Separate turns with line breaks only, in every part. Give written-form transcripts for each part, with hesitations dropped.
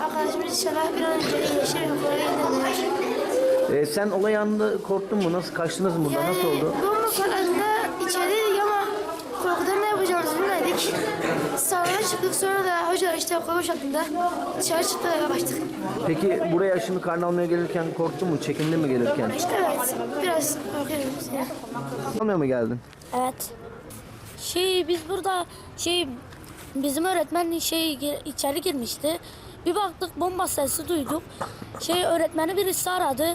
Arkadaşımız inşallah bir an önce iyileşir ve okula gönderdiler.
Sen olay anında korktun mu? Nasıl kaçtınız mı burada? Nasıl oldu?
Bomba patladığında içerideydik ama korkudan ne yapacağımızı bilmedik. Salona çıktık, sonra da hoca işte okul boşalttığında dışarı çıktık ve kaçtık.
Peki buraya şimdi karne almaya gelirken korktun mu? Çekindin mi gelirken?
İşte evet, biraz korkuyorum.
Almaya mı geldin?
Evet. Biz burada bizim öğretmen içeri girmişti. Bir baktık bomba sesi duyduk. Öğretmeni birisi aradı.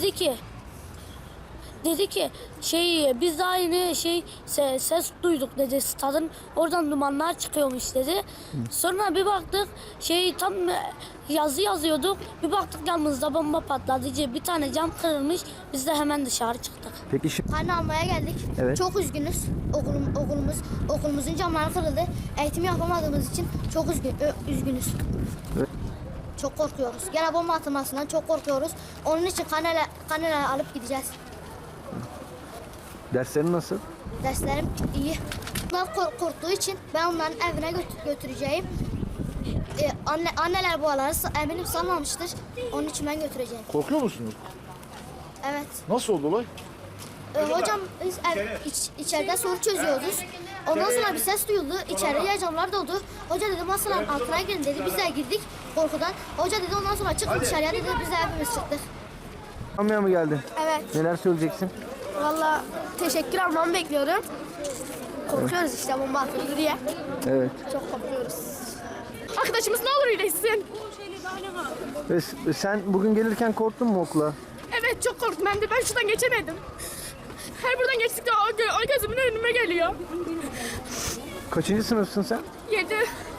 Dedi ki biz daha yeni ses duyduk dedi. Stadın oradan dumanlar çıkıyormuş dedi. Sonra bir baktık tam yazı yazıyorduk. Bir baktık yanımızda bomba patladı. Bir tane cam kırılmış. Biz de hemen dışarı çıktık.
Peki şimdi...
Karne almaya geldik.
Evet.
Çok üzgünüz. Okulumuzun camları kırıldı. Eğitim yapamadığımız için çok üzgünüz.
Evet.
Çok korkuyoruz. Gene bomba atılmasından çok korkuyoruz. Onun için karneler alıp gideceğiz.
Derslerin nasıl?
Derslerim iyi. Bunlar korktuğu için ben onların evine götüreceğim. Anneler bu araları eminim sanmamıştır. Onun için ben götüreceğim.
Korkuyor musunuz?
Evet.
Nasıl oldu olay?
Hocam biz içeride soru çözüyoruz. Ondan sonra bir ses duyuldu. İçeriye camlar doldu. Hoca dedi masaların altına girin dedi. Biz de girdik korkudan. Hoca dedi ondan sonra çıkın dışarıya dedi. Biz de hepimiz çıktık.
Almaya mı geldin?
Evet,
Neler söyleyeceksin?
valla teşekkür almamı bekliyorum. Korkuyoruz işte bomba atıldı diye.
Evet.
Çok korkuyoruz.
Arkadaşımız ne olur iyileşsin.
Sen bugün gelirken korktun mu okula?
Evet çok korktum hem de ben şuradan geçemedim. Her buradan geçtikçe o gözümün önüme geliyor.
Kaçıncı sınıfsın sen?
7.